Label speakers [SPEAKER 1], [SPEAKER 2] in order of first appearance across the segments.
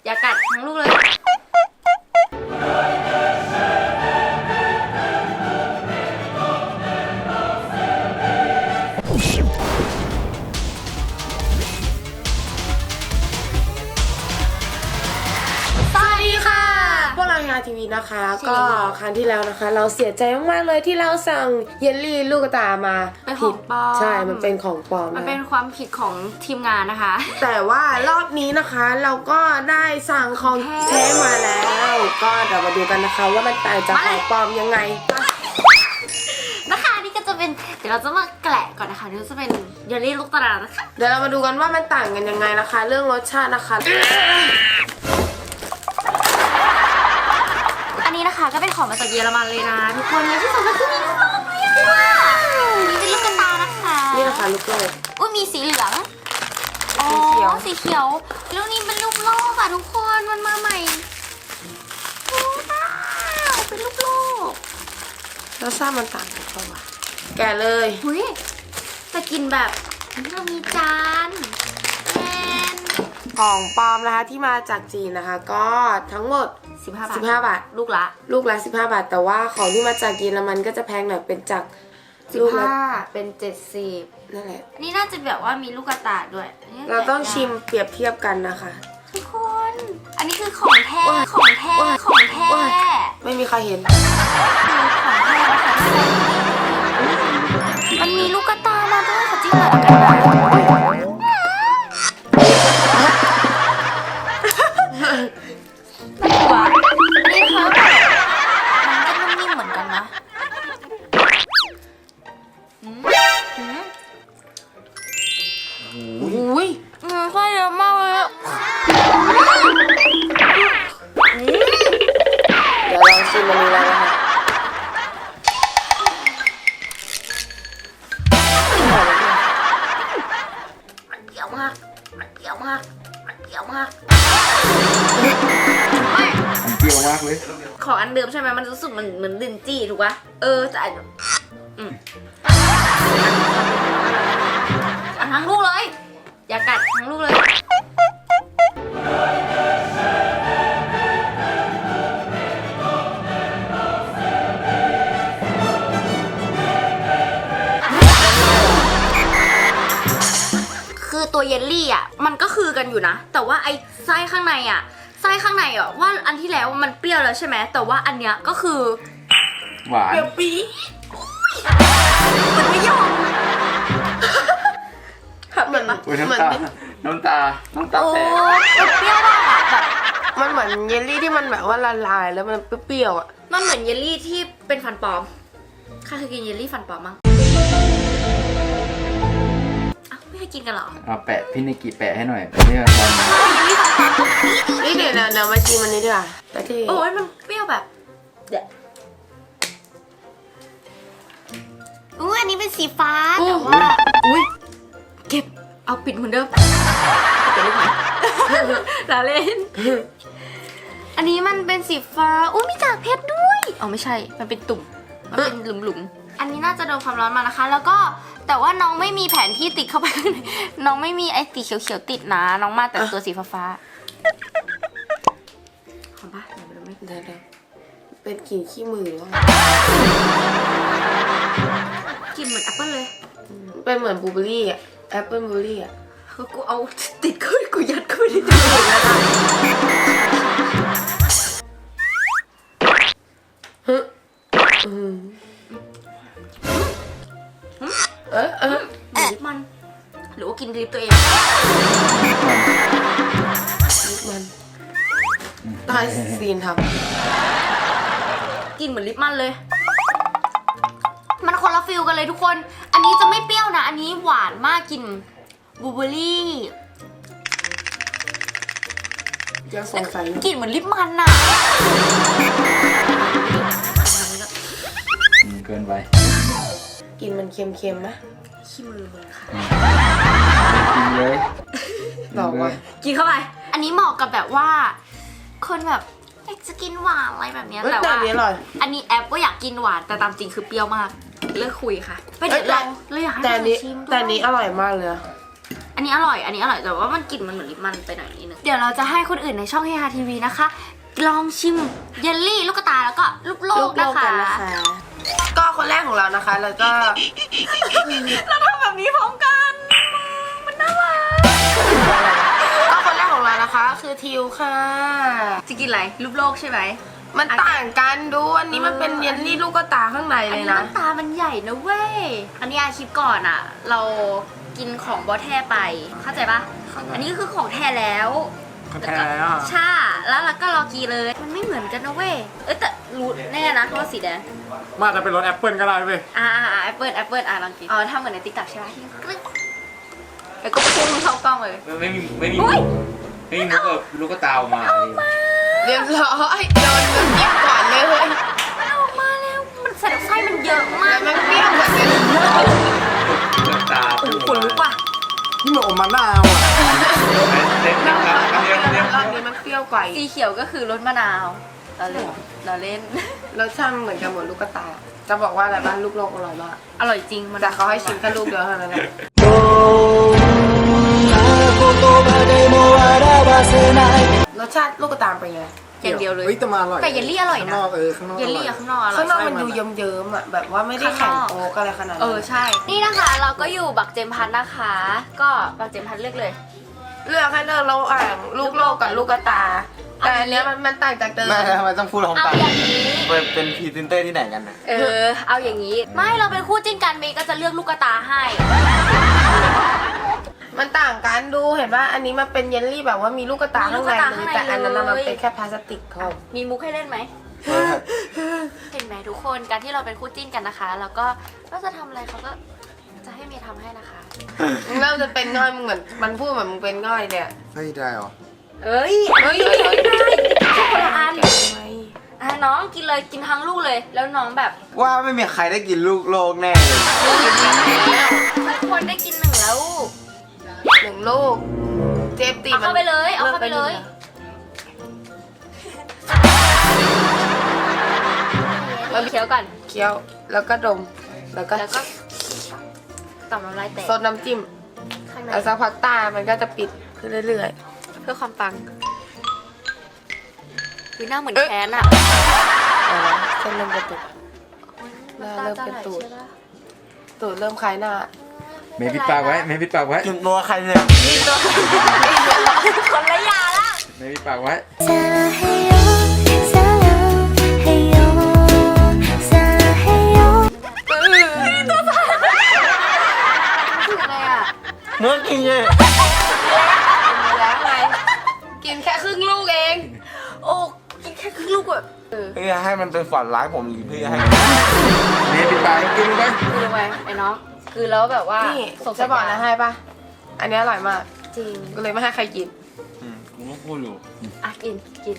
[SPEAKER 1] อย่ากัดทั้งลูกเลย
[SPEAKER 2] ทีวีนะคะก็ครั้งที่แล้วนะคะเราเสียใจมากๆเลยที่เราสั่งเยลลี่ลูกตามา
[SPEAKER 1] ผิด
[SPEAKER 2] ใช่มันเป็นของปลอม
[SPEAKER 1] มันเป็นความผิดของทีมงานนะคะ
[SPEAKER 2] แต่ว่ารอบนี้นะคะเราก็ได้สั่งของแท้มาแล้วก็เดี๋ยวมาดูกันนะคะว่ามันต่างจากของปลอมยังไง
[SPEAKER 1] นะคะนี่ก็จะเป็นเดี๋ยวเราจะมาแกะก่อนนะคะนี่จะเป็นเยลลี่ลูกตานะคะ
[SPEAKER 2] เดี๋ยวเรามาดูกันว่ามันต่างกันยังไงนะคะเรื่องรสชาตินะคะ
[SPEAKER 1] อันนี้นะคะก็เป็นของมาจากเยอรมันเลยนะทุกคนและที่สำคัญคือมีลูกโป่งเลยนี่เป็นลูกกระตานะคะ
[SPEAKER 2] นี่นะคะลูกโป่ง
[SPEAKER 1] อุ้ยมีสีเหลืองสีเขียวแล้วนี่เป็นลูกโลกอะทุกคนมันมาใหม่ว้าวเป็นลูกโลก
[SPEAKER 2] แล้วทราบมันต่างกันเปล่าวะแกะเลย
[SPEAKER 1] อุ้ยแต่กินแบบเรามีจาน
[SPEAKER 2] ของปลอมนะคะที่มาจากจีนนะคะก็ทั้งหมด15 บาท
[SPEAKER 1] ลูกละ
[SPEAKER 2] 15 บาทแต่ว่าของที่มาจากเยอรมันก็จะแพงหน่อยเป็นจาก
[SPEAKER 1] 15เป็น70
[SPEAKER 2] นั่นแหละ
[SPEAKER 1] นี่น่าจะแบบว่ามีลูกกระตาด้วย
[SPEAKER 2] เราต้องชิมเปรียบเทียบกันนะคะ
[SPEAKER 1] ทุกคนอันนี้คือของแท้
[SPEAKER 2] ไม่มีใครเห็น
[SPEAKER 1] ของแท้นะคะมันมีลูกกระตามาด้วยค่ะจริงเหรอกันนะนี่ค่ะมันก็นิ่มเหมือนกันนะ
[SPEAKER 2] อุ้ย
[SPEAKER 1] ไส้เยอะมากเลย
[SPEAKER 2] เดี๋ยวลองชิมมันนี้แล้วนะคะ
[SPEAKER 1] มันเปรี้ยวมาก
[SPEAKER 3] มันเปรี้ยวมากเลย
[SPEAKER 1] ของอันเดิมใช่ไหมมันรู้สึกเหมือนลิ้นจี้ถูกปะแต่ทั้งลูกเลยอย่ากัดทั้งลูกเลยคือตัวเยลลี่อ่ะมันก็คือกันอยู่นะแต่ว่าไอ้ไส้ข้างในอ่ะว่าอันที่แล้วมันเปรี้ยวแล้วใช่ไหมแต่ว่าอันเนี้ยก็คือ
[SPEAKER 3] หวาน
[SPEAKER 2] เปรี้ยวปี๊
[SPEAKER 1] มันไม่ยอม
[SPEAKER 2] เหมือน
[SPEAKER 3] น้ำตา
[SPEAKER 1] โอ้
[SPEAKER 3] แตก
[SPEAKER 1] เปรี้ยวมากอ่ะแบบ
[SPEAKER 2] มันเหมือนเยลลี่ที่มันแบบว่าละลายแล้วมันเปรี้ยวอ่ะ
[SPEAKER 1] มันเหมือนเยลลี่ที่เป็นฟันปลอมใครเคยกินเยลลี่ฟันปลอมมั้งไม่เคยกินกันหรอ
[SPEAKER 3] แปะพี่นิกิแปะให้หน่อยนี่มัน
[SPEAKER 2] นี่เดี๋ยวมาชิมมันนี้ดีกว่าแต่ที่
[SPEAKER 1] โอ้ยมันเปรี้ยวแบบอันนี้เป็นสีฟ้าแต่ว่าเก็บเอาปิดเหมือนเดิมเก็บลูกไหมลาเล่นอันนี้มันเป็นสีฟ้ามีกากเพชรด้วยไม่ใช่มันเป็นตุ่มมันเป็นหลุมอันนี้น่าจะโดนความร้อนมานะคะแล้วก็แต่ว่าน้องไม่มีแผนที่ติดเข้าไปข้างในน้องไม่มีไอ้สีเขียวๆติดนะน้องมาแต่ตัวสีฟ้าหอมปะเดี๋ยวไม่
[SPEAKER 2] ได้เป็นกลิ่นขี้มือหรือว่
[SPEAKER 1] ากลิ่นเหมือนแอปเปิ้ลเลย
[SPEAKER 2] เป็นเหมือนบลูเบอร์รี่อ่ะแอปเปิ้ลบลูเบอร์รี่อ่ะ
[SPEAKER 1] กูเอาติดเข้าไปกูยัดเข้าไปในตัวแล้วนะลิปมันหรือว่ากินลิปตัวเอง
[SPEAKER 2] ลิปมันตายซีนท
[SPEAKER 1] ำกินเหมือนลิปมันเลยมันคนละฟิลกันเลยทุกคนอันนี้จะไม่เปรี้ยวนะอันนี้หวานมากกินบลูเบอร์รี่
[SPEAKER 2] ยังสงสัย
[SPEAKER 1] กลิ่นเหมือนลิปมันน่ะ
[SPEAKER 3] เกินไป
[SPEAKER 2] กินมันเค็มๆไหม
[SPEAKER 1] ขี้มือเลยค่ะ
[SPEAKER 3] กินเลย
[SPEAKER 2] บอกว่า
[SPEAKER 1] กินเข้าไปอันนี้เหมาะกับแบบว่าคนแบบอยากจะกินหวานอะไรแบบนี้แต่ว่าอันนี้แอปก็อยากกินหวานแต่ตามจริงคือเปรี้ยวมากเลิกคุยค่ะไปเดี๋ยวเราอยากให้
[SPEAKER 2] แต่นี้อร่อยมากเลย
[SPEAKER 1] อันนี้อร่อยแต่ว่ามันกลิ่นมันเหมือนลิปมันไปหน่อยนิดนึงเดี๋ยวเราจะให้คนอื่นในช่องเฮฮาทีวีนะคะลองชิมเยลลี่ลูกตาแล้วก็ลูกโลกนะคะ
[SPEAKER 2] ก็คนแรกของเรานะคะแล้วก็
[SPEAKER 1] เราทำแบบนี้พร้อมกันมันน่ารัก
[SPEAKER 2] ก็คนแรกของเรานะคะคือทิวค่ะ
[SPEAKER 1] จะกินอะไรลูกโลกใช่ไหม
[SPEAKER 2] มันต่างกันดูอันนี้มันเป็นเยลลี่ลูกตาข้างใน
[SPEAKER 1] อัน
[SPEAKER 2] เลย
[SPEAKER 1] นี้
[SPEAKER 2] นะ
[SPEAKER 1] น้ำตามันใหญ่นะเว้ยอันนี้อาคลิปก่อนอ่ะ เรากินของบอแท้ไปเข้าใจปะอันนี้คือของแท้แล้ว
[SPEAKER 2] แท้แล้ว
[SPEAKER 1] ใช่แล้วเราก็รอกีเลย มันไม่เหมือนกันนะเว้ยแต่รู้แน่นะว่าสีแดง
[SPEAKER 4] มาจะเป็นรสแอปเปิลก็ได้เว้ย
[SPEAKER 1] แอปเปิลลองกินทำเหมือนในติ๊กต็อกใช่ไหมที่กรึ๊กแล้วก็พุ่งเข้ากล้องเลย
[SPEAKER 3] ไม่มีมุก
[SPEAKER 1] อุ๊ย
[SPEAKER 3] แบบลูกตาออกมา
[SPEAKER 2] เรียบร้อยโดนน้ำจิ้มก่อนเลย
[SPEAKER 1] มันออกมาแล้วมันใส่ไส้มันเยอะมา
[SPEAKER 2] แล้
[SPEAKER 1] ก
[SPEAKER 2] วมันเปรี้ยวเหมือนกัน
[SPEAKER 3] ลูกตา
[SPEAKER 1] ขนลุกว่ะ
[SPEAKER 4] นี่มันอมมะนาวอ่ะ
[SPEAKER 3] เล่นนะครับเล่น
[SPEAKER 2] รอบนี้มันเปรี้ยวกว่า
[SPEAKER 1] สีเขียวก็คือรสมะนาวเราเล่น
[SPEAKER 2] รสชาติเหมือนกันหมดลูกตา จะบอกว่าอะไรบ้างลูกโลกอร่อยมาก
[SPEAKER 1] อร่อยจริงมัน
[SPEAKER 2] แต่เขาให้ชิมแค่ลูกเดียวเท่านั้นแหละ รสชาติลูกตาเป็นไง
[SPEAKER 1] อย่างเดียวเลย
[SPEAKER 4] เฮ้ยแต่มาอร่อย
[SPEAKER 1] แต่เยลลี่อร่อยนะ
[SPEAKER 4] ข้างนอกข้างนอก
[SPEAKER 1] เยลลี่อะข้างนอกอร่อย
[SPEAKER 2] ข้างนอกมันดูเยิ้มๆอ่ะแบบว่าไม่ได้แข็งโป๊กอะไรขนาดนั้น
[SPEAKER 1] ใช่ นี่นะคะเราก็อยู่บักเจมพัทนะคะ ก็บักเจมพัทเลือกเลย
[SPEAKER 2] เลือกให้เลือกระหว่างลูกโลกกับลูกตา แต่อันเนี้ยมันต่างจากเดิม
[SPEAKER 4] ไม่ทำไมต้องพูดพร้อม
[SPEAKER 1] เอา
[SPEAKER 4] กัน
[SPEAKER 1] อย่างนี้
[SPEAKER 4] เป็นพรีเซนเตอร์ที่ไหนกันนะ
[SPEAKER 1] เอาอย่างนี้ ไม่เราเป็นคู่จิ้นกันเมย์ก็จะเลือกลูกตาให้
[SPEAKER 2] มันต่างกันดูเห็นว่าอันนี้มันเป็นเยลลี่แบบว่ามีลูกตาข้างในเลยแต่อันนั้นน่ะมันเป็นแค่พลาสติกเขา
[SPEAKER 1] มีมุกให้เล่นไหม เห็นไหมทุกคนการที่เราเป็นคู่จิ้นกันนะคะ แล้วก็จะทำอะไรเขาก็จะให้เมย์ทำให้นะคะ
[SPEAKER 2] เริ่มจะเป็นง่อยมึงเหมือนมันพูดเหมือนมึงเป็นง่อยเนี่ย
[SPEAKER 4] เฮ้ยได้เหรอ
[SPEAKER 1] เอ้ยได้คนละอันน้องกินเลยกินทั้งลูกเลย แล้วน้องแบบ
[SPEAKER 4] ว่าไม่มีใครได้กินลูกโลกแน่เลย
[SPEAKER 1] ทุกคนได้กินหนึ่งแล้ว
[SPEAKER 2] 1 ลูก เจฟตี
[SPEAKER 1] เอาเข้าไปเลยเอาเข้าไปเลย เราเคี้ยวก่อน
[SPEAKER 2] เคี้ยวแล้วก็ดมแล้วก็
[SPEAKER 1] แล้วก็ต่อมน้ำลายแตก
[SPEAKER 2] ซดน้ำจิ้ม
[SPEAKER 1] ข้างใน
[SPEAKER 2] แล้วสักพักตามันก็จะปิดขึ้นเรื่อย
[SPEAKER 1] เพื่อความปังคือหน้าเหมือนแคนอะ
[SPEAKER 2] เส้นเริ่มกระตุก หน้าเริ่มเป็นตูด ตูดเริ่มคล้ายหน้า
[SPEAKER 3] เมย์ปิดปากไว้เมย์ปิดปากไว้
[SPEAKER 4] กินตัวใครเนี่ย
[SPEAKER 1] คนละยาละ
[SPEAKER 3] เมย์ปิดปากไว้
[SPEAKER 1] คืออะไรอะ
[SPEAKER 4] เนื้อกินเลย
[SPEAKER 2] แล้วไงกินแค่ครึ่งลูกเอง
[SPEAKER 1] โอ้กินแค่ครึ่งลูกอะ
[SPEAKER 4] เพื่อให้มันเป็นฝันร้ายผมหรือเพื่อให้
[SPEAKER 3] เมย์ปิดปากกินไป
[SPEAKER 1] คือลงไปไอ้น้องคือแล้วแบบว่า
[SPEAKER 2] นี่
[SPEAKER 1] ส่ง
[SPEAKER 2] จะบอกนะให้ปะอันนี้อร่อยมาก
[SPEAKER 1] จริง
[SPEAKER 2] ก็เลยไม่ให้ใครกิน
[SPEAKER 4] กูก็พูดอยู่
[SPEAKER 1] อ่ะกิน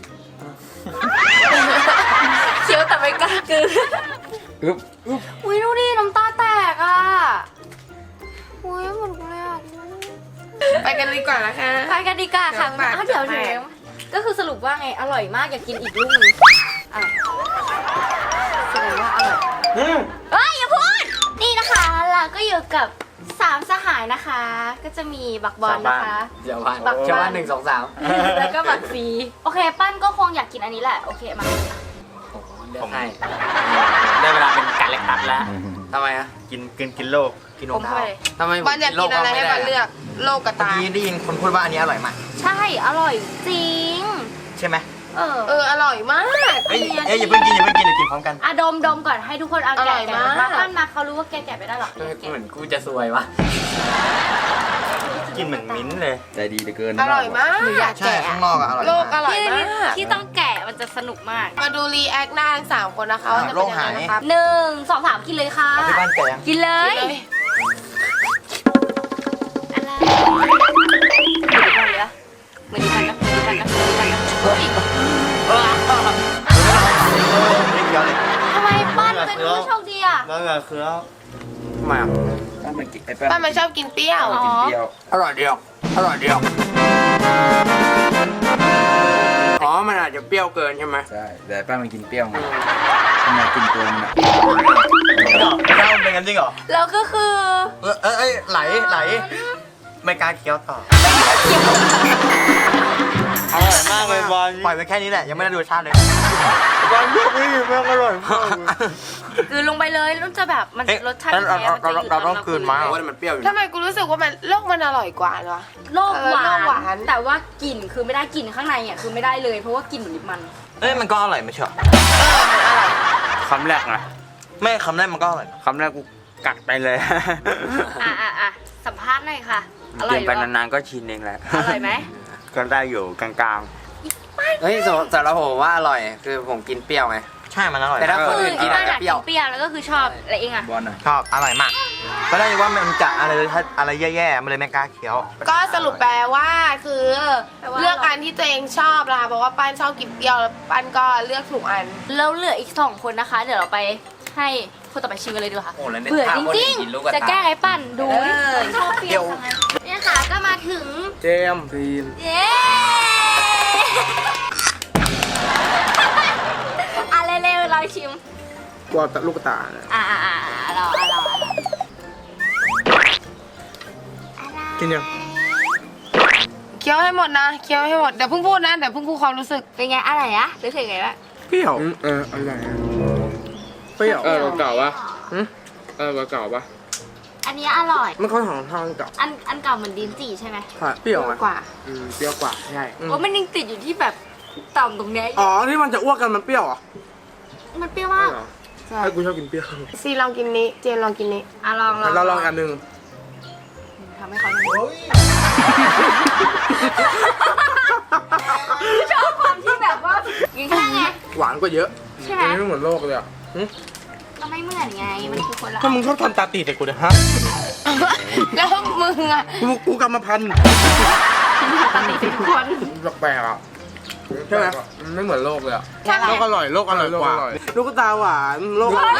[SPEAKER 1] เคี้ยวแต่ไม่กล้ากิน
[SPEAKER 3] อึ๊บ
[SPEAKER 1] อุ้ยดูดิน้ำตาแตกอ่ะอุ้ยเหมือนกูเลยอ่ะ
[SPEAKER 2] ไปกันดีกว่านะคะ
[SPEAKER 1] ไปกันดีกว่าค่ะ
[SPEAKER 2] เดี๋ยวปาก
[SPEAKER 1] เดี๋ยว
[SPEAKER 2] จะแตก
[SPEAKER 1] ก็คือสรุปว่าไงอร่อยมากอยากกินอีกลูกนึงอ่ะแสดงว่าอร่อยเอ้ยอย่าพูดนี่นะคะเราก็อยู่กับ3สหายนะคะ ก็จะมีบักบอลนะคะ
[SPEAKER 4] เดี๋ยวพัน
[SPEAKER 1] บัก
[SPEAKER 4] เชื่อ
[SPEAKER 1] บ้า
[SPEAKER 4] ว่าน 1 2 3
[SPEAKER 1] แล้วก็บักซีโอเคปั้นก็คงอยากกินอันนี้แหละโอเคมา
[SPEAKER 4] เลือกให้ได้เวลาเป็นการเล็กตัดแล้วทำไมอ่ะกินโลกกินน
[SPEAKER 1] ผม
[SPEAKER 4] ม
[SPEAKER 1] เข้า
[SPEAKER 4] ดา
[SPEAKER 1] ไป
[SPEAKER 4] ว
[SPEAKER 1] เลย
[SPEAKER 4] ทำไม
[SPEAKER 2] บอลอยากกินอะไรให้บอลเลือกโลกกับ
[SPEAKER 4] เมื่อ
[SPEAKER 2] ตา
[SPEAKER 4] กี้ได้ยินคนพูดว่าอันนี้อร่อยมาก
[SPEAKER 1] ใช่อร่อยจริง
[SPEAKER 4] ใช่ไหม
[SPEAKER 2] อร่อยมาก
[SPEAKER 4] เอ้ยอย่าเพิ่งกินเดี๋ยวกินพร้อมกัน
[SPEAKER 1] อะดมก่อนให้ทุกคนเอา
[SPEAKER 2] อร่
[SPEAKER 1] แกะ
[SPEAKER 2] อย
[SPEAKER 1] แกะ
[SPEAKER 2] มาก
[SPEAKER 1] มาปั้นมาเขารู้ว่าแกะไม่ได้หรอก
[SPEAKER 4] เหมือนกูจะซวยวะกินเหมือนมิ้นเลย
[SPEAKER 3] ใจดีเหลือเกิน
[SPEAKER 2] อร่อยมาก
[SPEAKER 1] หนูอยาก
[SPEAKER 4] ใช่
[SPEAKER 1] แกะ
[SPEAKER 4] ข้างนอกอะอร่อย
[SPEAKER 2] โลกอ
[SPEAKER 4] มาก
[SPEAKER 2] ร่อยมาก
[SPEAKER 1] ที่ต้องแกะมันจะสนุกมาก
[SPEAKER 2] มาดูรีแอคหน้าทั้ง3 คนนะคะว่าจะเป็นยังไงนะครับ
[SPEAKER 1] 1 2 3กินเลยค่ะ
[SPEAKER 4] เอาที่บ้านแกง
[SPEAKER 1] กินเลย
[SPEAKER 2] กินเลย
[SPEAKER 1] อะไรเหมือนดีกันนะเฮ้ย
[SPEAKER 4] ไม่เกี่ยวเลย
[SPEAKER 1] ทำไมปั้นเป็นผู้โชคดีอ่ะ
[SPEAKER 4] แล้วไงคือทำไมอ่ะ
[SPEAKER 3] ป้ามันกินไอ้
[SPEAKER 2] ป้ามันชอบกินเปรี้ยว
[SPEAKER 3] กินเปรี้ยว
[SPEAKER 4] อร่อยเดียวอ๋อมันอาจจะเปรี้ยวเกินใช่ไหม
[SPEAKER 3] ใช่แต่ป้ามันกินเปรี้ยวไงทำไมกินตัวมันอ่ะ
[SPEAKER 4] ไม่ได้เป็นกันจริงเหรอ
[SPEAKER 1] แล้วก็คือ
[SPEAKER 4] ไหลไม่กล้าเคี้ยวต่ออร่อยมากเลยบอลปล่อยไปแค่นี้แหละยังไม่ได้ดูรสชาติเลยบอลพวกนี้แม่งอร่อยมาก
[SPEAKER 1] คือลงไปเลยแล้วจะแบบมันรสชาติแท้มันจะอยู่
[SPEAKER 4] เราต้องคืนมา
[SPEAKER 3] ว่ามันเปรี้ยวอยู่
[SPEAKER 2] ทำไมกูรู้สึกว่ามันโลกมันอร่อยกว่าเนาะ
[SPEAKER 1] โลกหวา
[SPEAKER 2] โลกหวาน
[SPEAKER 1] นแต่ว่ากลิ่นคือไม่ได้กลิ่นข้างในอ่ะคือไม่ได้เลยเพราะว่ากลิ่นเหมือนลิปมัน
[SPEAKER 4] เอ้ยมันก็อร่อยไม่ใช่หรอ
[SPEAKER 2] มันอร่อย
[SPEAKER 3] คำแรกนะ
[SPEAKER 4] ไม่คำแรกมันก็อร่อย
[SPEAKER 3] คำแรกกูกัดไปเลย
[SPEAKER 1] อ่ะสัมภาษณ์หน่อยค่ะอร่อ
[SPEAKER 3] กิ
[SPEAKER 1] ย
[SPEAKER 3] น
[SPEAKER 1] ห
[SPEAKER 3] ไป
[SPEAKER 1] รือเปล่าน
[SPEAKER 3] านๆก็ชินเองแหละ
[SPEAKER 1] อร่อยไหม
[SPEAKER 3] ก็ได้อยู่กลาง
[SPEAKER 5] เฮ้ยสำหรับผมว่าอร่อยคือผมกินเปรี้ยวไง
[SPEAKER 4] ใช่มันอร่อย
[SPEAKER 5] แต่ถ้า
[SPEAKER 1] คือ
[SPEAKER 5] คนอื่นกิน
[SPEAKER 1] บ้า
[SPEAKER 5] อาจ
[SPEAKER 1] น
[SPEAKER 5] จะ
[SPEAKER 1] อะ
[SPEAKER 5] เปรี้ยว
[SPEAKER 1] กินเปรี้ยวแล้วก็คือชอบอะไรเองอ่ะ
[SPEAKER 3] ๆบอลหน่อย
[SPEAKER 4] ชอบอร่อยมากก็ได้ว่ามันจะอะไรแย่ๆมันเลยไม่กล้าเคี้ยว
[SPEAKER 2] ก็สรุปแปลว่าคือ
[SPEAKER 1] แปลว่า
[SPEAKER 2] เลือกอันที่ตัวเองชอบนะคะเพราะว่าป้านชอบกินเปรี้ยวแล้วป้านก็เลือกถูกอัน
[SPEAKER 1] แล้วเหลืออีก2คนนะคะ เดี๋ยวเราไปให้คนต่อไปชิมกันเลยดีกว่าค่ะ
[SPEAKER 5] โอ้แล้วเนี่ย
[SPEAKER 1] เบื่อ
[SPEAKER 5] ถ้า
[SPEAKER 1] จ
[SPEAKER 5] คน
[SPEAKER 1] ริ
[SPEAKER 5] อื่
[SPEAKER 1] ง
[SPEAKER 5] นกินลูกกระ
[SPEAKER 1] ๆจะ
[SPEAKER 5] ตา
[SPEAKER 1] แก้ไอ้ปั่นดู
[SPEAKER 2] เออ
[SPEAKER 1] ชอบเปรี้ยวจังเลยเนี่ยค่ะก็มาถึง
[SPEAKER 3] เจมส์ซีน
[SPEAKER 1] เย้อ่ะเร็วๆเราชิม
[SPEAKER 3] กลัวลูกตา
[SPEAKER 1] เรา
[SPEAKER 3] กินยัง
[SPEAKER 2] เคี้ยวให้หมดนะเคี้ยวให้หมดเดี๋ยวเพิ่งพูดนะเดี๋ยวเพิ่งพูดความรู้สึก
[SPEAKER 1] เป็นไงอะไรอะรู้สึกไงวะ
[SPEAKER 3] เปรี้ยว
[SPEAKER 6] อร่อยเปรี้ยวเก่าปะเก่าปะ
[SPEAKER 1] อันนี้อร่อย
[SPEAKER 3] มันค่อนข้างทางเก่า
[SPEAKER 1] อันเก่าเหมือนดินจีใช่ไหม
[SPEAKER 3] เปรี้ยวไหม
[SPEAKER 2] กว่า
[SPEAKER 3] เปรี้ยวกว่าใช่
[SPEAKER 1] โอ้มันยังติดอยู่ที่แบบต่ำตรงเนี้ย
[SPEAKER 3] อ๋อที่มันจะอ้วกกันมันเปรี้ยวเหรอ
[SPEAKER 1] มันเปรี้ยวมาก
[SPEAKER 2] ใช่
[SPEAKER 3] ให้กูชอบกินเปรี้ยว
[SPEAKER 2] ซีลองกินนี้เจนลองกินนี้
[SPEAKER 1] อ่ะลอง
[SPEAKER 3] เราลองอันหนึง
[SPEAKER 1] ทำให้เขาดูชอบความที่แบบว่าอย่างนี้ไง
[SPEAKER 3] หวานกว่าเยอะ
[SPEAKER 1] ใช่ไหม
[SPEAKER 3] ไม่เหมือนโลกเลยอ่ะ
[SPEAKER 1] ก็ไม่เหมือนไงมันคือคนละ
[SPEAKER 3] ถ้ามึงชอบทำตาตีใส่กูเนี่ยฮะ
[SPEAKER 2] แล้วมึงอ่ะ
[SPEAKER 3] กูกรรมพันธุ์
[SPEAKER 1] ปกติเป็นทุกคน
[SPEAKER 3] แปลกๆอ่ะใช่ไหมมันไม่เหมือนโลกเลยอ่ะ
[SPEAKER 2] ใช่ไหม
[SPEAKER 3] โลกอร่อยกว่าลูกตาหวานโลกตา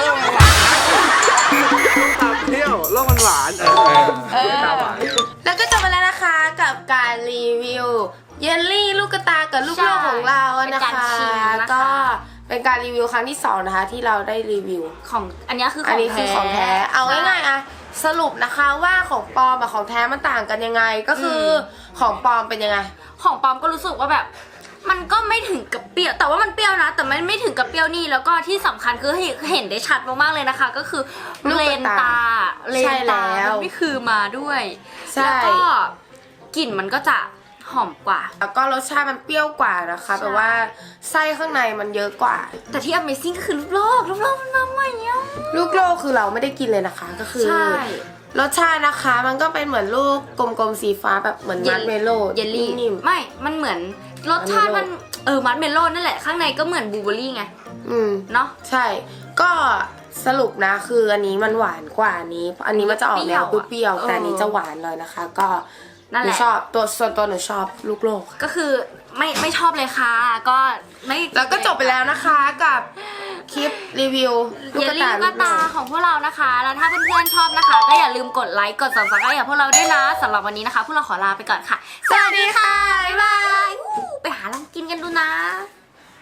[SPEAKER 3] เปรี้ยวโลกมันหวานตาหวาน
[SPEAKER 2] แล้วก็จบไปแล้วนะคะกับการรีวิวเยลลี่ลูกกระตากับลูกโลกของเรานะคะก็เป็นการรีวิวครั้งที่2นะคะที่เราได้รีวิว
[SPEAKER 1] ของอันนี้คือข
[SPEAKER 2] อัน
[SPEAKER 1] อง
[SPEAKER 2] นี้คือของแท้ เอาง่ายๆอะสรุปนะคะว่าของปลอมกับของแท้มันต่างกันยังไง ก็คือของปลอมเป็นยังไง
[SPEAKER 1] ของปลอมก็รู้สึกว่าแบบ มันก็ไม่ถึงกับเปรี้ยวแต่ว่ามันเปรี้ยวนะ แต่มันไม่ถึงกับเปรี้ยวนี่แล้วก็ที่สำคัญคือเห็นได้ชัดมากๆเลยนะคะ ก็คือ
[SPEAKER 2] ลูก
[SPEAKER 1] เล
[SPEAKER 2] กระ
[SPEAKER 1] น
[SPEAKER 2] ตา
[SPEAKER 1] ตาเล
[SPEAKER 2] ใช่
[SPEAKER 1] น
[SPEAKER 2] แล้
[SPEAKER 1] ตาว มันไม่คือมาด้วย
[SPEAKER 2] ใช่
[SPEAKER 1] แล้วก็กลิ่นมันก็จะหอมกว่า
[SPEAKER 2] แล้วก็รสชาติมันเปรี้ยวกว่านะคะแปลว่าไส้ข้างในมันเยอะกว่า
[SPEAKER 1] แต่ที่ Amazing ก็คือลูกโลกมันมาใหม่เนี่ย
[SPEAKER 2] ลูกโลกคือเราไม่ได้กินเลยนะคะ ก็คือ
[SPEAKER 1] ใช่
[SPEAKER 2] รสชาตินะคะมันก็เป็นเหมือนลูกกลมๆสีฟ้าแบบเหมือนมัดเมโล่
[SPEAKER 1] เยลลี่
[SPEAKER 2] นิ่ม
[SPEAKER 1] ไม่ มันเหมือนรสชาติมัน มัดเมลโล่นั่นแหละข้างในก็เหมือนบลูเบอร์รี่ไง
[SPEAKER 2] ๆอืม
[SPEAKER 1] เนาะ
[SPEAKER 2] ใช่ ก็สรุปนะคืออันนี้มันหวานกว่าอันนี้ อันนี้มันจะออกแนวเปรี้ยวๆแต่อันนี้จะหวานเลยนะคะ ก็
[SPEAKER 1] นั่น
[SPEAKER 2] ห
[SPEAKER 1] แห
[SPEAKER 2] นู
[SPEAKER 1] ละ
[SPEAKER 2] ชอบส่วนตัวหนูชอบลูกโลก
[SPEAKER 1] ก็คือไม่ชอบเลยค่ะ ก็ไม่
[SPEAKER 2] แล้วก็จบไปแล้วนะคะกับคลิปรีวิว
[SPEAKER 1] เยลลี่ลูกกระตาของพวกเรานะคะ แล้วถ้าเพื่อนๆชอบนะคะ ก็อย่าลืมกดไลค์กด subscribe กับพวกเราด้วยนะสำหรับวันนี้นะคะ พวกเราขอลาไปก่อนค่ะ สวัสดีค่ะ บ๊ายบายไปหาลองกินกันดูนะ